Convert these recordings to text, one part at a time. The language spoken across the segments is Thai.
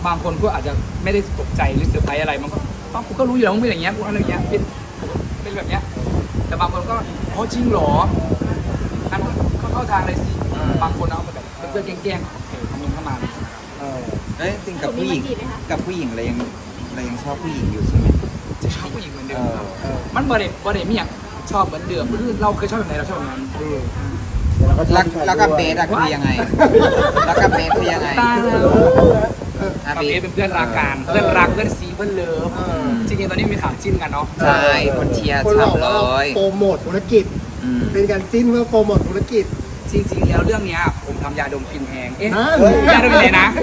บางคนก็อาจจะไม่ได้ตกใจหรือเซอร์ไพรส์อะไรมันก็กูก็รู้อยู่แล้วมึงเป็นอย่างเงี้ยกูอะไรอย่างเงี้ยเป็นแบบเนี้ยแต่บางคนก็อ๋อจริงเหรอนั่นก็เข้าทางเลยสิบางคนเอาไปแบบเพื่อนแกล้งๆคอมเมนต์เข้ามาแล้วจริงกับผู้หญิงเรายังชอบผู้หญิงอยู่ใช่ไหมจะชอบผู้หญิงเหมือนเดิมครับมันบ่ได้มีอย่างชอบเหมือนเดิมคือเราเคยชอบแบบไหนเราชอบแบบนั้นแล้วกับเบสอะคือยังไงแล้วกับเบสคือยังไงตายแล้วกับเบสเป็นเพื่อนรักกันเพื่อนรักเพื่อนซีเพื่อนเลิฟจริงๆตอนนี้มีข่าวจิ้นกันเนาะใช่คนเชียร์ฉ่ำเลยโปรโมทธุรกิจเป็นการจิ้นเพื่อโปรโมทธุรกิจจริงๆแล้วเรื่องนี้ผมทำยาดมฟินแฮงยาดมอยู่ไหนนะ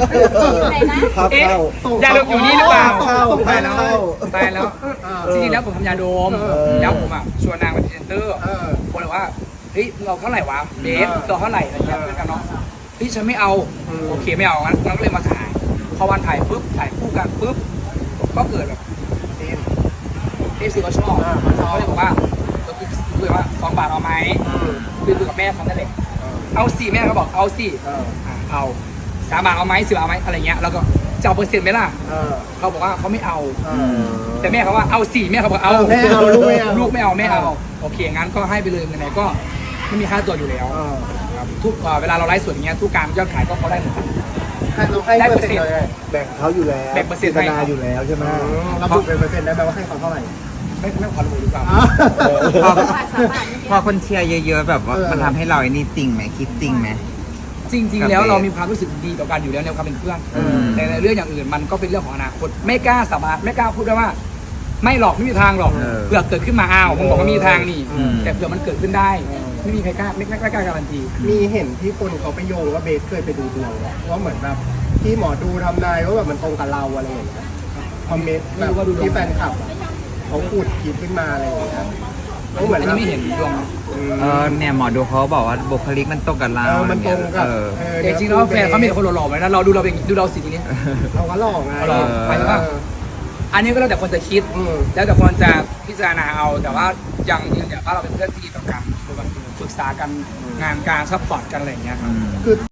ยาดมอยู่นี่หรือเปล่าตายแล้วจริงๆแล้วผมทำยาดมแล้วผมชวนนางเป็นพรีเซนเตอร์คนบอกว่าเฮ้ยเราเท่าไหร่วะเบสเราเท่าไหร่อะไรเงี้ยเพื่อนกันเนาะพี่ฉันไม่เอาโอเคไม่เอางั้นก็เลยมาถ่ายพอวันถ่ายปุ๊บถ่ายคู่กันปุ๊บก็เกิดแบบเอฟซีเขาชอบเขาเลยบอกว่าคุยว่า2 บาทเอาไหมคุยกับแม่เขานั่นแหละเอา4แม่เขาบอกเอา4เอา3 บาทเอาไหม10 บาทเอาไหมอะไรเงี้ยแล้วก็จะเอาเปอร์เซ็นต์ไหมล่ะเขาบอกว่าเขาไม่เอาแต่แม่เขาว่าเอา4แม่เขาบอกเอาลูกไม่เอาแม่เอาโอเคงั้นก็ให้ไปเลยไหนๆก็ไม่มีค่าตัวอยู่แล้วทุกเวลาเราไลฟ์สดอย่างเงี้ยทุกการยอดขายก็เขาได้หมดได้เปอร์เซ็นต์แบ่งเขาอยู่แล้วแบ่งเปอร์เซ็นต์ให้อยู่แล้วใช่ไหมเราบุกเป็นเปอร์เซ็นต์ได้ไหมว่าให้เขาเท่าไหร่ไม่ขอรู้ดีกว่าพอคนเชียร์เยอะๆแบบว่ามันทำให้เราไอ้นี่จริงไหมคิดจริงไหมจริงๆแล้วเรามีความรู้สึกดีต่อกันอยู่แล้วในความเป็นเพื่อนแต่ในเรื่องอย่างอื่นมันก็เป็นเรื่องของอนาคตไม่กล้าสาบานไม่กล้าพูดได้ว่าไม่หรอกไม่มีทางหรอกเผื่อเกิดขึ้นมาอ้าวผมบอกว่ามีทางนี่แต่เผื่อมันเกิดขึ้นได้ไม่มีใครกล้าไม่กล้าการันตีมีเห็นที่คนเขาไปโยงว่าเบสเคยไปดูดวงว่าเหมือนแบบที่หมอดูทำนายว่าแบบมันตรงกับเราอะไรอย่างเงี้ยคอมเมนต์แบบที่แฟนคลับเขาพูดคิดขึ้นมาอะไรอย่างเงี้ยเหมือนไม่เห็นดวงเนี่ยหมอดูเขาบอกว่าบุคลิกมันตรงกับเรามันตรงกับจริงๆแล้วแฟนเขามีคนหล่อๆไหมนะเราดูเราเป็นดูเราสิทีนี้เราก็หล่อไงหมายถึงว่าอันนี้ก็แล้วแต่คนจะคิดแล้วแต่คนจะพิจารณาเอาแต่ว่ายังยืนยันว่าเราเป็นเพื่อนที่ดีต่อกันปรึกษากันงานการซัพพอร์ตกันอะไรอย่างเงี้ยครับ